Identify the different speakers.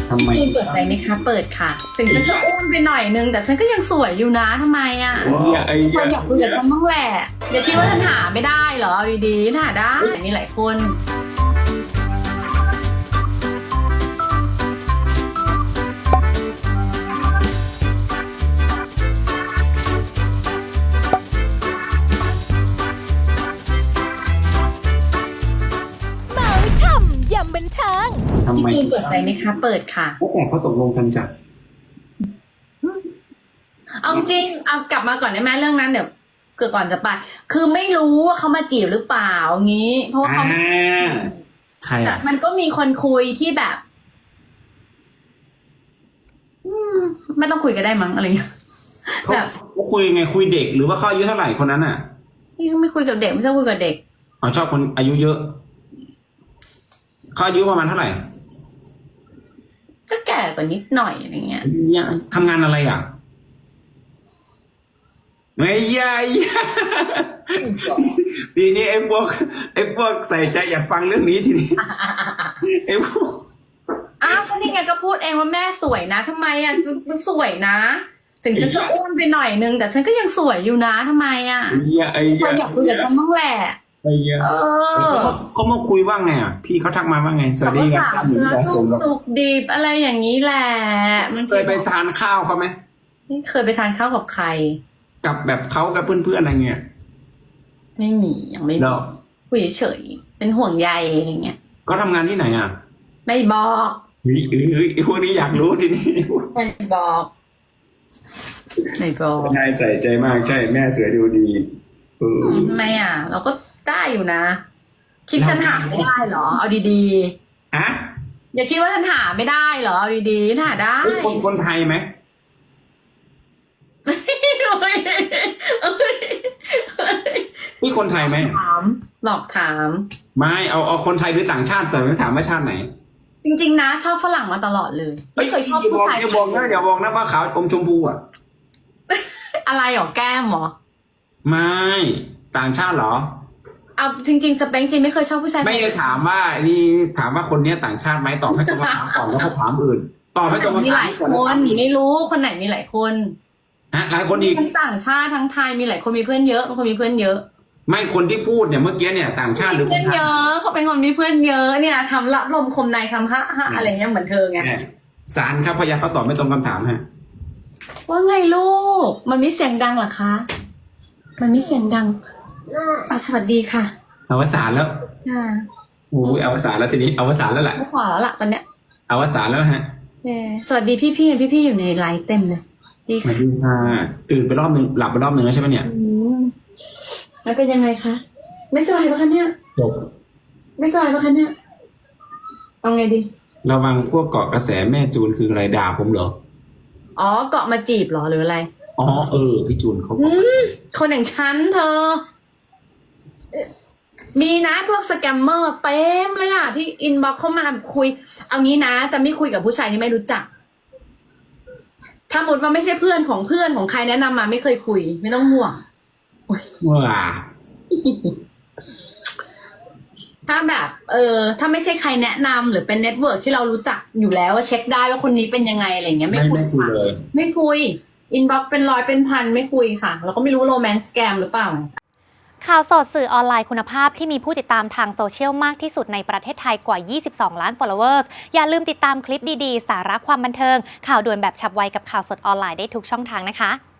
Speaker 1: ทำไม
Speaker 2: คุณเปิดใจไหมคะเปิดค่ะถึงฉันจะอ้วนไปหน่อยนึงแต่ฉันก็ยังสวยอยู่นะทำไมอ่ะคนอยากคุยกับฉันบ้างแหละอย่าคิดว่าฉันหาไม่ได้เหรอเอาดีๆหาได้มีหลายคน
Speaker 3: ยำบันเทิง
Speaker 1: ทำไม
Speaker 2: คุณเปิดใจไหมคะเปิดค่ะ
Speaker 1: แต่เขาตกลงกันจัด
Speaker 2: เอาจริงเอากลับมาก่อนได้ไหมเรื่องนั้นเดี๋ยวเกิดก่อนจะไปคือไม่รู้ว่าเขามาจีบหรือเปล่างี้ เพราะว่าเขา
Speaker 1: ใครอ่ะ
Speaker 2: มันก็มีคนคุยที่แบบไม่ต้องคุยก็ได้มั้งอะไรเงี้ย
Speaker 1: แบบเขาคุยไงคุยเด็กหรือว่าเขาอายุเท่าไหร่คนนั้นอ่ะ
Speaker 2: นี่เขาไม่คุยกับเด็กไม่ชอบคุยกับเด็ก
Speaker 1: อ๋อชอบคนอายุเยอะเขาอายุประมาณเท่าไหร่
Speaker 2: ก็แก่กว่านิดหน่อยอะไรเงี้ย
Speaker 1: ทำงานอะไรอ่ะไม่ใช่ทีนี้ไอ้พวกใส่ใจอยากฟังเรื่องนี้ทีนี้ไอ้พวก
Speaker 2: อ้าวก็นี่ไงก็พูดเองว่าแม่สวยนะทำไมอ่ะมันสวยนะถึงฉันจะอ้วนไปหน่อยนึงแต่ฉันก็ยังสวยอยู่นะทำไมอ่ะคนอยากคุยกับฉันบ้างแหละ
Speaker 1: เขามาคุยว่าไงอ่ะพี่เขาทักมาว่าไงสวัสดีครับ
Speaker 2: สุกดิบอะไรอย่างนี้แหละมัน
Speaker 1: เคยไปทานข้าวเขาไหม
Speaker 2: นี่เคยไปทานข้าวกับใคร
Speaker 1: กับแบบเขากับเพื่อนๆอะไรเงี้ย
Speaker 2: ไม่มียังไม่มีคุยเฉยเป็นห่วงใยอะไรเงี้ย
Speaker 1: เขาทำงานที่ไหนอ่ะ
Speaker 2: ไม่บอก
Speaker 1: พวกนี้อยากรู้ทีนี้
Speaker 2: ไม่บอก
Speaker 1: นายใส่ใจมากใช่แม่เสือดูดี
Speaker 2: ทำไมอ่ะเราก็ได้อยู่นะคิดฉันหาไม่ได้เหรอเอาดี
Speaker 1: ๆอะ
Speaker 2: อย่าคิดว่าฉันหาไม่ได้เหรอเอาดีๆหาได้
Speaker 1: คนไทยไหมนี่คนไทยไหม
Speaker 2: ถามหลอกถาม
Speaker 1: ไม่เอาคนไทยหรือต่างชาติแต่ไม่ถามว่าชาติไหน
Speaker 2: จริงๆนะชอบฝรั่งมาตลอดเลยไม่เคยชอบผู้ชาย
Speaker 1: อย่าบอกนะว่าขาวอมชมพูอ่ะ
Speaker 2: อะไรหรอแก้มหรอ
Speaker 1: ไม่ต่างชาติหรอ
Speaker 2: เอาจริงๆสเปคจริงไม่เคยชอบผู้ชาย
Speaker 1: ไม่ได้ถามว่านี่ถามว่าคนนี้ต่างชาติไหมตอบให้ตรงคำถามก่อนแล้วเขาถามอื่นตอบให้ตรงคำถาม
Speaker 2: มีหลายคนไม่รู้คนไหนมีหลายคน
Speaker 1: หลายคนอีก
Speaker 2: ทั้งต่างชาติทั้งไทยมีหลายคนมีเพื่อนเยอะบางคนมีเพื่อนเยอะ
Speaker 1: ไม่คนที่พูดเนี่ยเมื่อกี้เนี่ยต่างชาติหรือ
Speaker 2: เพื่อนเยอะเขาเป็นคนมีเพื่อนเยอะเนี่ยทำละลมคมในคำฮะอะไรเงี้ยเหมือนเธอไง
Speaker 1: สารครับพยาเขาตอบไม่ตรงคำถามฮะ
Speaker 2: ว่าไงลูกมันไม่เสียงดังหรอคะมันไม่เสียงดังสวัสดีค่ะ
Speaker 1: อวสานแล้วโอ้ยอวสานแล้วทีนี้อวสานแล้วแหละ
Speaker 2: ไม่ขอแล้วล่ะตอนเนี้ย
Speaker 1: อวสานแล้วฮะ
Speaker 2: สวัสดีพี่อยู่ในไลฟ์เต็มเลยดีค่ะ
Speaker 1: ตื่นไปรอบนึงหลับไปรอบนึงแล้วใช่ไหมเนี่ย
Speaker 2: แล้วเป็นยังไงคะไม่สบายปะคะเนี่ย
Speaker 1: จบ
Speaker 2: ไม่สบายปะคะเนี่ยเอาไงดี
Speaker 1: ระวังพวกเกาะกระแสแม่จูนคืออะไรด่าผมเหรอ
Speaker 2: อ๋อเกาะมาจีบเหรอหรืออะไร
Speaker 1: อ๋อพี่จูนเขา
Speaker 2: คนอย่างฉันเธอมีนะพวกสแกมเมอร์เต็มเลยอ่ะที่อินบ็อกเข้ามาคุยเอางี้นะจะไม่คุยกับผู้ชายที่ไม่รู้จักถ้าหมดว่าไม่ใช่เพื่อนของใครแนะนำมาไม่เคยคุยไม่ต้องห่วง
Speaker 1: ว้า
Speaker 2: ถ้าแบบถ้าไม่ใช่ใครแนะนำหรือเป็นเน็ตเวิร์กที่เรารู้จักอยู่แล้วว่าเช็คได้ว่าคนนี้เป็นยังไงอะไรเงี้ยไม่คุย
Speaker 1: เลย
Speaker 2: ไม่คุยอินบ็อกเป็นร้อยเป็นพันไม่คุยค่ะเราก็ไม่รู้โรแมนต์สแกมหรือเปล่า
Speaker 3: ข่าวสดสื่อออนไลน์คุณภาพที่มีผู้ติดตามทางโซเชียลมากที่สุดในประเทศไทยกว่า 22 ล้าน followers อย่าลืมติดตามคลิปดีๆสาระความบันเทิงข่าวด่วนแบบฉับไวกับข่าวสดออนไลน์ได้ทุกช่องทางนะคะ